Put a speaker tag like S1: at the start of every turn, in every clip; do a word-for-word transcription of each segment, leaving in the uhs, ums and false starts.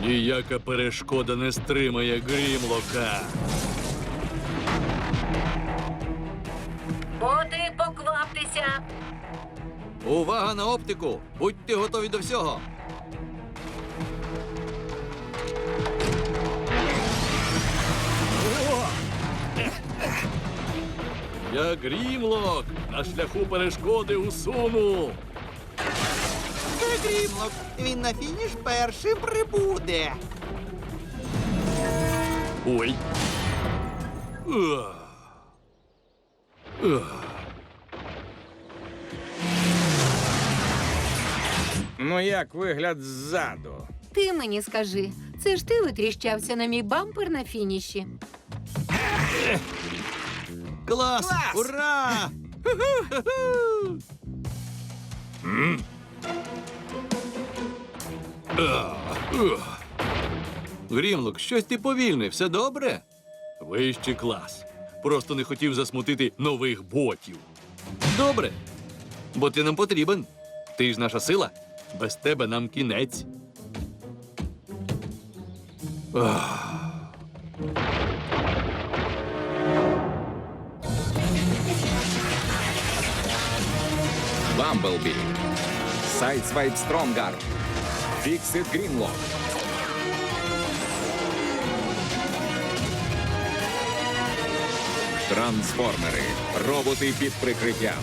S1: Ніяка перешкода не стримає Грімлока.
S2: Боти, покваптеся!
S1: Увага на оптику! Будьте готові до всього! Я Грімлок! На шляху перешкоди усуну!
S3: Це Грімлок. Він на фініш першим прибуде.
S1: Ой! Ах. Ах.
S4: Ну як вигляд ззаду?
S2: Ти мені скажи, це ж ти витріщався на мій бампер на фініші?
S1: Клас!
S3: Клас!
S1: Ура! Ах, ах. Грімлок, щось ти повільний, все добре? Вищий клас. Просто не хотів засмутити нових ботів. Добре, бо ти нам потрібен. Ти ж наша сила. Без тебе нам кінець. Ах.
S4: Бамблбі. Сайдсвайп Стронгар. Фіксит Грімлок. Трансформери. Роботи під прикриттям.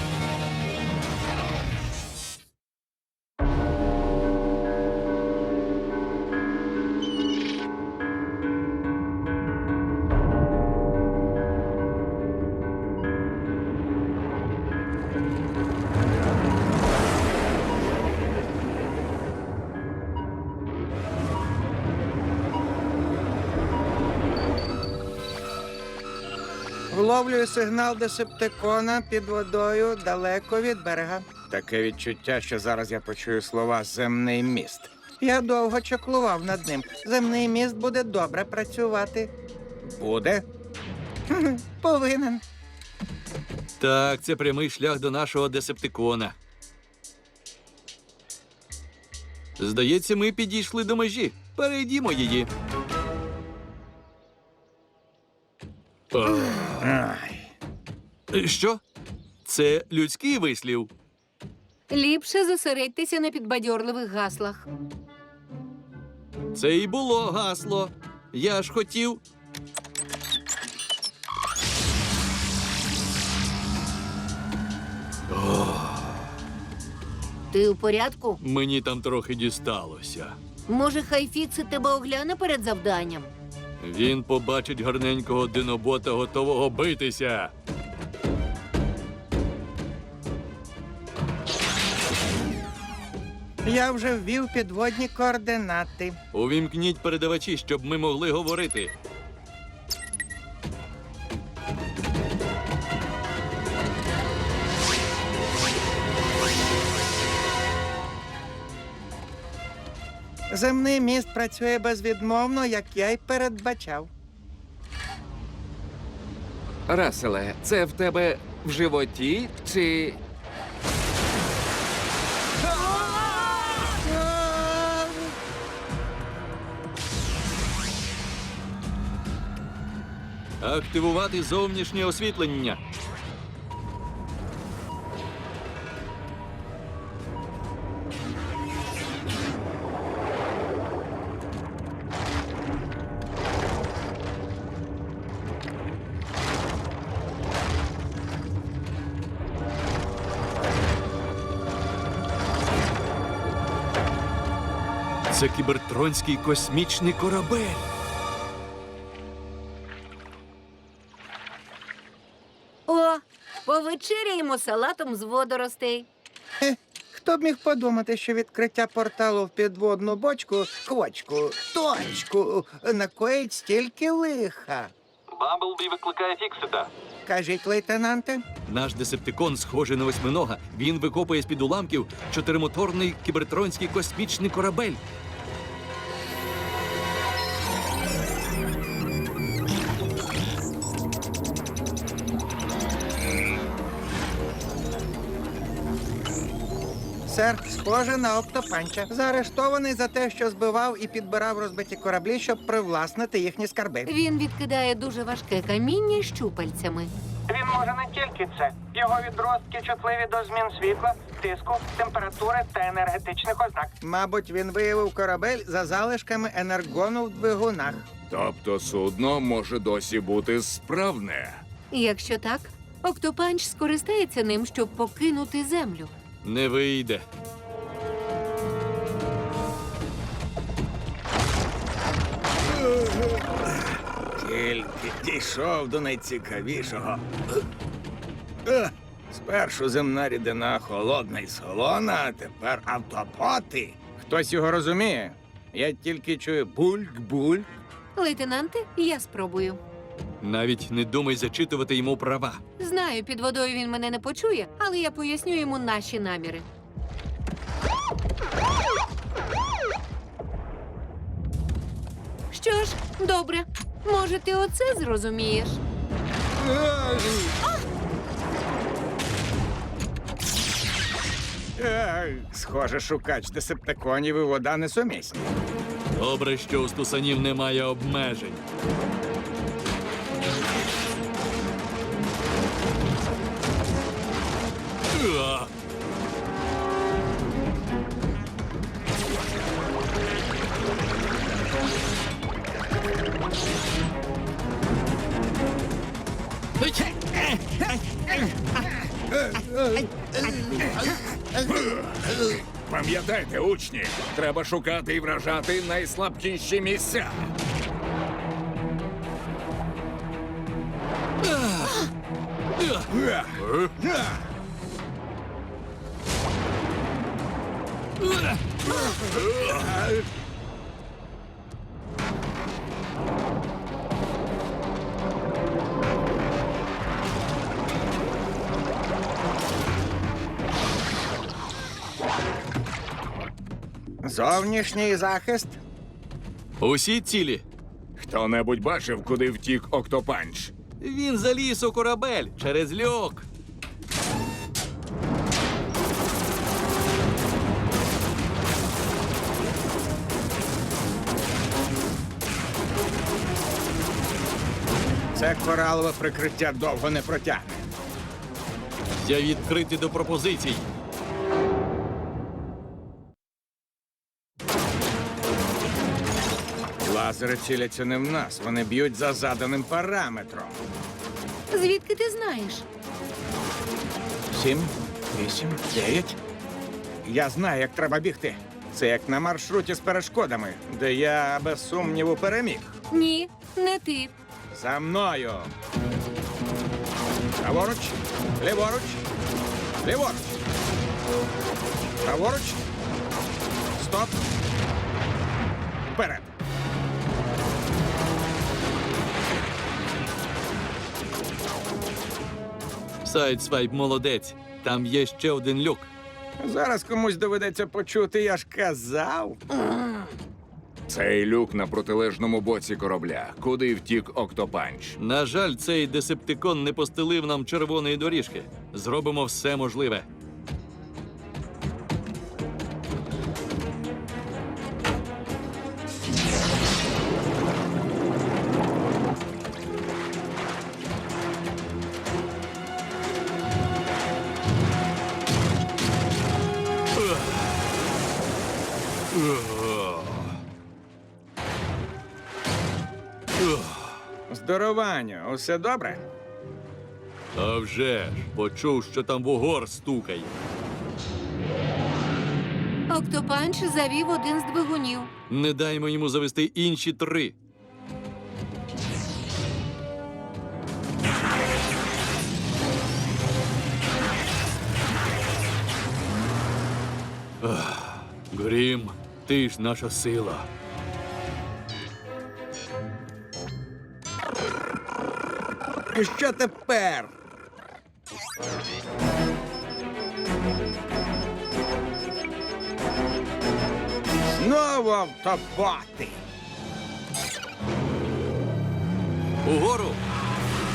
S5: Вловлюю сигнал десептикона під водою далеко від берега. Таке відчуття, що зараз я почую слова «земний міст». Я довго чаклував над ним. Земний міст буде добре працювати. Буде? Хм, повинен.
S1: Так, це прямий шлях до нашого десептикона. Здається, ми підійшли до межі. Перейдімо її.
S5: Ай.
S1: Що? Це людський вислів.
S2: Ліпше зосередьтеся на підбадьорливих гаслах.
S1: Це і було гасло. Я ж хотів.
S2: Ти у порядку?
S1: Мені там трохи дісталося.
S2: Може, хай Фіксит тебе огляне перед завданням?
S1: Він побачить гарненького динобота, готового битися.
S5: Я вже ввів підводні координати.
S1: Увімкніть передавачі, щоб ми могли говорити.
S5: Земний міст працює безвідмовно, як я й передбачав.
S6: Раселе, це в тебе в животі чи.
S1: Активувати зовнішнє освітлення. Це кібертронський космічний корабель.
S2: О, повечеряємо салатом з водоростей.
S5: Хе, хто б міг подумати, що відкриття порталу в підводну бочку, квочку, точку, накоїть стільки лиха.
S1: Бамблбі викликає Фіксита.
S5: Кажіть, лейтенанте.
S1: Наш десептикон схожий на восьминога. Він викопує з-під уламків чотиримоторний кібертронський космічний корабель.
S5: Сер, схоже на октопанча. Заарештований за те, що збивав і підбирав розбиті кораблі, щоб привласнити їхні скарби.
S2: Він відкидає дуже важке каміння щупальцями.
S7: Він може не тільки це. Його відростки чутливі до змін світла, тиску, температури та енергетичних ознак.
S5: Мабуть, він виявив корабель за залишками енергону в двигунах.
S4: Тобто судно може досі бути справне.
S2: Якщо так, Октопанч скористається ним, щоб покинути землю.
S1: Не вийде.
S5: Тільки дійшов до найцікавішого. Е, Спершу земна рідина холодна і солона, а тепер автопоти. Хтось його розуміє? Я тільки чую бульк-бульк.
S2: Лейтенанте, я спробую.
S1: Навіть не думай зачитувати йому права.
S2: Знаю, під водою він мене не почує, але я поясню йому наші наміри. Що ж, добре. Може, ти оце зрозумієш?
S5: Е, Схоже, шукач десептиконів і вода несумісні.
S1: Добре, що у стусанів немає обмежень. Уа!
S4: Пам'ятайте, учні, треба шукати і вражати найслабкіші місця.
S5: Зовнішній захист.
S1: Усі цілі.
S4: Хто-небудь бачив, куди втік Октопанч?
S1: Він заліз у корабель через льок.
S5: Це коралове прикриття довго не протягне.
S1: Я відкритий до пропозицій.
S5: Лазери ціляться не в нас, вони б'ють за заданим параметром.
S2: Звідки ти знаєш?
S5: Сім, вісім, дев'ять. Я знаю, як треба бігти. Це як на маршруті з перешкодами, де я без сумніву переміг.
S2: Ні, не ти.
S5: За мною. Праворуч, ліворуч, ліворуч. Праворуч. Стоп. Вперед.
S1: Сайдсвайп молодець. Там є ще один люк.
S5: Зараз комусь доведеться почути, я ж казав.
S4: Цей люк на протилежному боці корабля. Куди втік Октопанч?
S1: На жаль, цей десептикон не постелив нам червоної доріжки. Зробимо все можливе.
S5: Здорованню, усе добре?
S1: А вже ж, почув, що там вугор стукає.
S2: Октопанч завів один з двигунів.
S1: Не даймо йому завести інші три. Ах, Грім, ти ж наша сила.
S5: І що тепер? Знову автопати.
S1: Угору!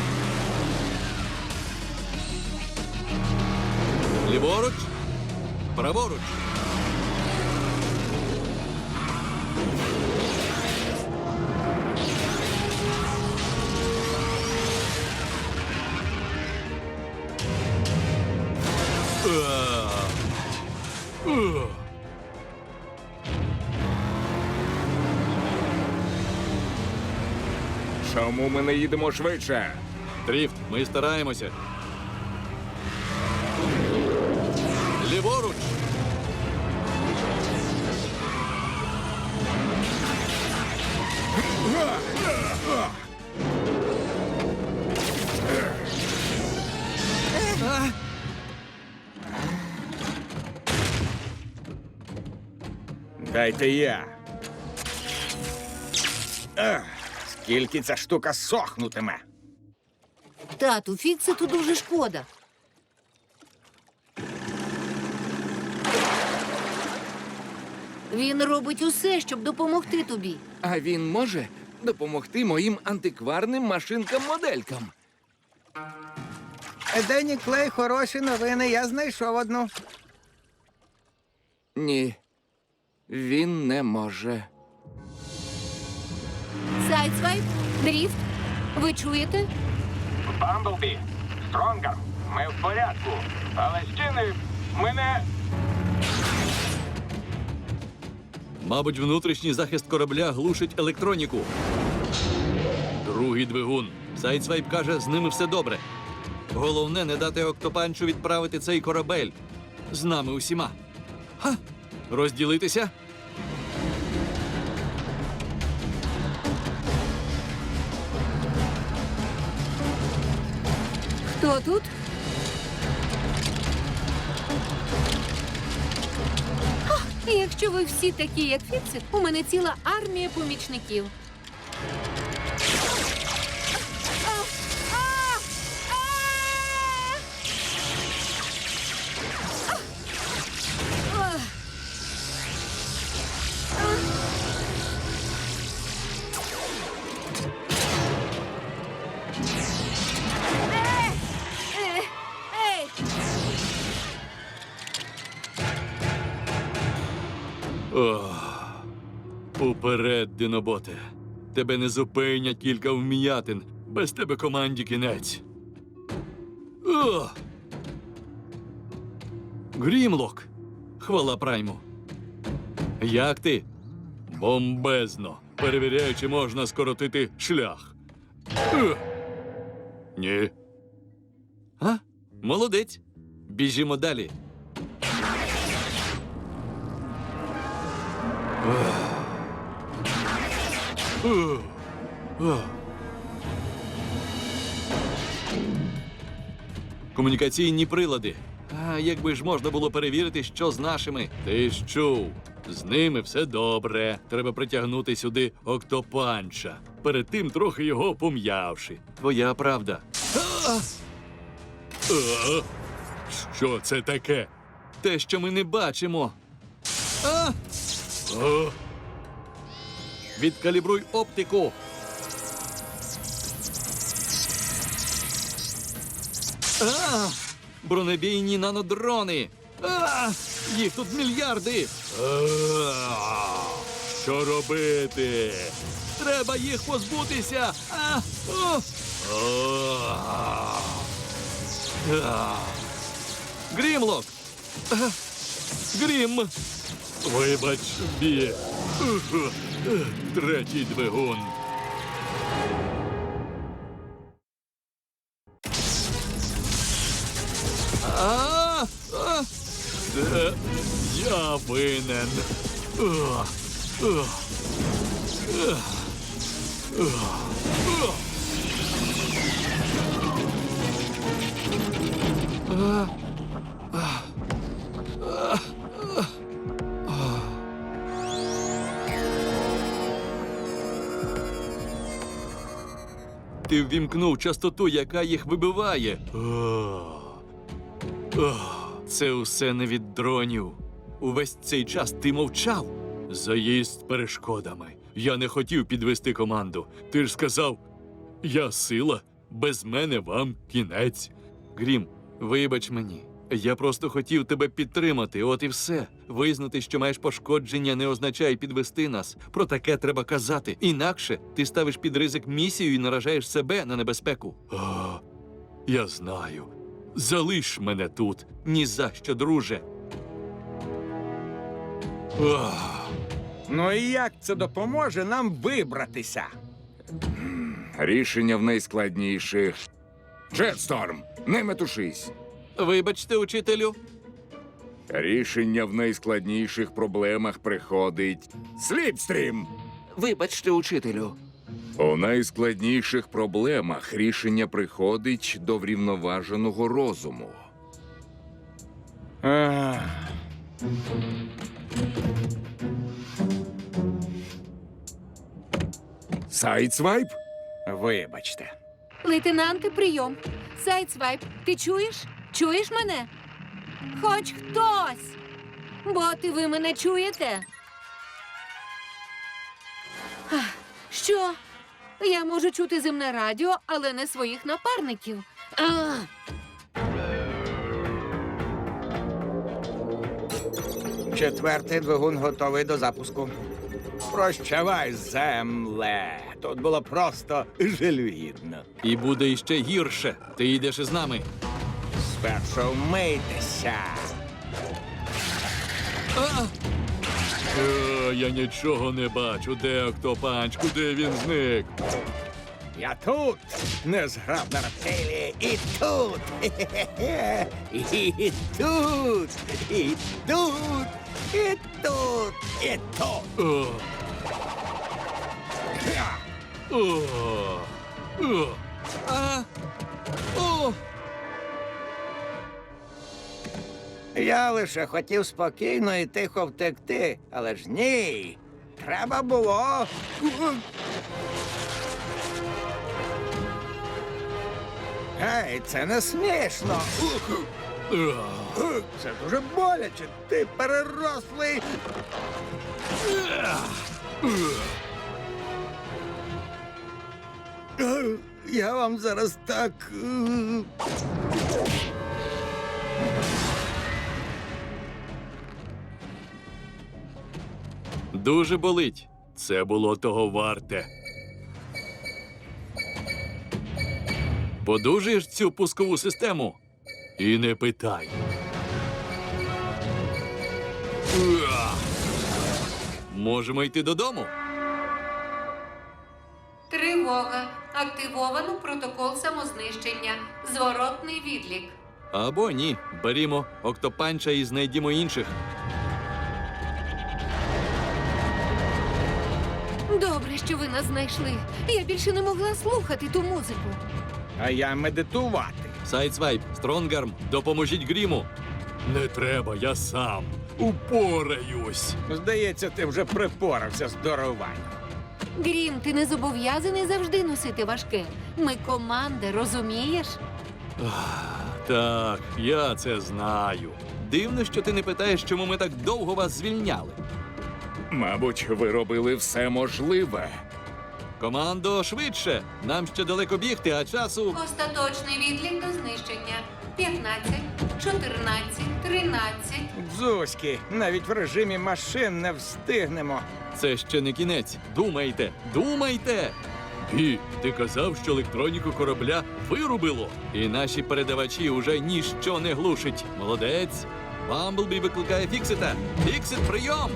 S1: Ліворуч! Праворуч. А. Ух.
S4: Чому ми не їдемо швидше?
S1: Дріфт, ми стараємося. Ліворуч.
S5: Дайте я. Ех, скільки ця штука сохнутиме.
S2: Тату, Фікситу дуже шкода. Він робить усе, щоб допомогти тобі.
S6: А він може допомогти моїм антикварним машинкам-моделькам.
S5: Дені Клей, хороші новини, я знайшов одну.
S6: Ні, він не може.
S2: Сайдсвайп, дріфт, ви чуєте?
S7: Бамблбі, Стронгар, ми в порядку. Але стіни мене.
S1: Мабуть, внутрішній захист корабля глушить електроніку. Другий двигун. Сайдсвайп каже, з ними все добре. Головне, не дати Октопанчу відправити цей корабель. З нами усіма. Ха! Розділитися?
S2: Хто тут? Ах, якщо ви всі такі, як Фіксит, у мене ціла армія помічників. Ей!
S1: Ох. Уперед, диноботе. Тебе не зупинять кілька вміятин. Без тебе команді кінець. Ох. Грімлок. Хвала Прайму. Як ти? Бомбезно. Перевіряю, чи можна скоротити шлях. Ух. Ні. А? Молодець. Біжімо далі. Ух. Ух. Комунікаційні прилади. А якби ж можна було перевірити, що з нашими? Ти ж чув. З ними все добре. Треба притягнути сюди Октопанча. Перед тим трохи його пом'явши. Твоя правда. А! А! Що це таке? Те, що ми не бачимо. А! А! Відкалібруй оптику. А! Бронебійні нанодрони. А! Їх тут мільярди. А! Що робити? Треба їх позбутися. А! О! А! А! Грімлок. А! Грім. Вибач, Бі. Ух, третій двигун. А, а, це я винен. Ах, ах, ах, ах, ах. А, а, а, а. Ти ввімкнув частоту, яка їх вибиває. Ах. Ох, це усе не від дронів. Увесь цей час ти мовчав. Заїзд перешкодами. Я не хотів підвести команду. Ти ж сказав, я сила, без мене вам кінець. Грім, вибач мені. Я просто хотів тебе підтримати, от і все. Визнати, що маєш пошкодження, не означає підвести нас. Про таке треба казати. Інакше ти ставиш під ризик місію і наражаєш себе на небезпеку. А, я знаю. Залиш мене тут. Ні за що, друже. Ах.
S5: Ну і як це допоможе нам вибратися?
S4: Рішення в найскладніших. Джетсторм, не метушись.
S1: Вибачте, учителю.
S4: Рішення в найскладніших проблемах приходить. Сліпстрім!
S6: Вибачте, учителю.
S4: У найскладніших проблемах рішення приходить до врівноваженого розуму.
S5: Ах.
S4: Сайдсвайп?
S5: Вибачте.
S2: Лейтенанти, прийом. Сайдсвайп, ти чуєш? Чуєш мене? Хоч хтось. Боти, ви мене чуєте? Ах, що? Я можу чути земне радіо, але не своїх напарників. Ах.
S5: Четвертий двигун готовий до запуску. Прощавай, земле. Тут було просто жалюгідно.
S1: І буде іще гірше. Ти йдеш із нами.
S5: Спершу вмийтеся.
S1: Е, я нічого не бачу. Де Октопанч? Куди він зник?
S5: Я тут, незграбна рептилія, і тут, хе-хе-хе, і тут, і тут, і тут, і тут.
S1: О, о, о, а, о.
S5: Я лише хотів спокійно і тихо втекти, але ж ні. Треба було. Гей, це не смішно.
S1: Ах.
S5: Це дуже боляче. Ти перерослий. Я вам зараз так. е,
S1: Дуже болить. Це було того варте. Подужаєш цю пускову систему? І не питай. Уа! Можемо йти додому?
S2: Тривога. Активовано протокол самознищення. Зворотний відлік.
S1: Або ні. Берімо Октопанча і знайдімо інших.
S2: Добре, що ви нас знайшли. Я більше не могла слухати ту музику.
S5: А я медитувати.
S1: Сайдсвайп, Стронгарм, допоможіть Гріму. Не треба, я сам. Упораюсь.
S5: Здається, ти вже припорався з даруванням.
S2: Грім, ти не зобов'язаний завжди носити важке. Ми команда, розумієш?
S1: Так, я це знаю. Дивно, що ти не питаєш, чому ми так довго вас звільняли.
S4: Мабуть, ви робили все можливе.
S1: Командо, швидше! Нам ще далеко бігти, а часу.
S2: Остаточний відлік до знищення. п'ятнадцять, чотирнадцять, тринадцять.
S5: Дзузьки, навіть в режимі машин не встигнемо.
S1: Це ще не кінець. Думайте, думайте! І ти казав, що електроніку корабля вирубило, і наші передавачі уже ніщо не глушить. Молодець! Бамблбі викликає Фіксита. Фіксит, прийом!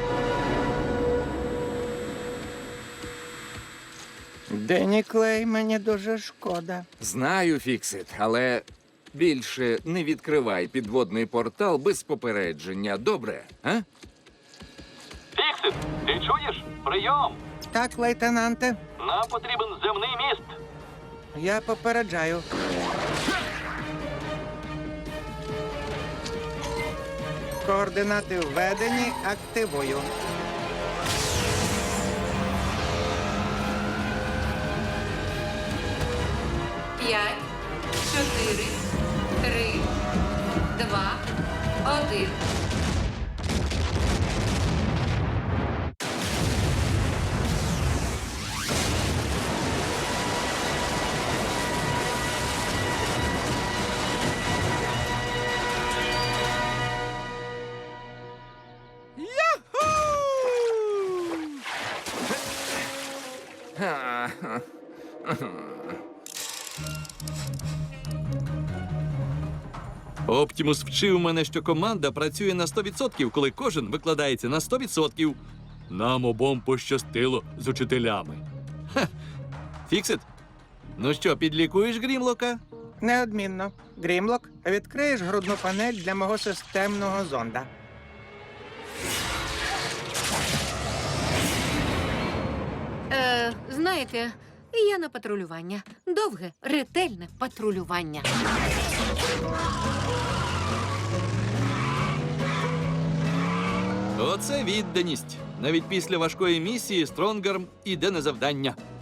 S5: Денні Клей, мені дуже шкода.
S6: Знаю, Фіксит, але більше не відкривай підводний портал без попередження. Добре, а?
S1: Фіксит, ти чуєш? Прийом!
S5: Так, лейтенанте,
S1: Нам потрібен земний міст.
S5: я попереджаю. Координати введені, активую.
S2: П'ять, чотири, три, два, один.
S1: Оптімус вчив мене, що команда працює на сто відсотків, коли кожен викладається на сто відсотків. Нам обом пощастило з учителями. Ха! Фіксит? Ну що, підлікуєш Грімлока?
S5: Неодмінно. Грімлок, відкриєш грудну панель для мого системного зонда.
S2: Е, знаєте, я на патрулювання. Довге, ретельне патрулювання.
S1: Оце відданість. Навіть після важкої місії Стронгарм іде на завдання.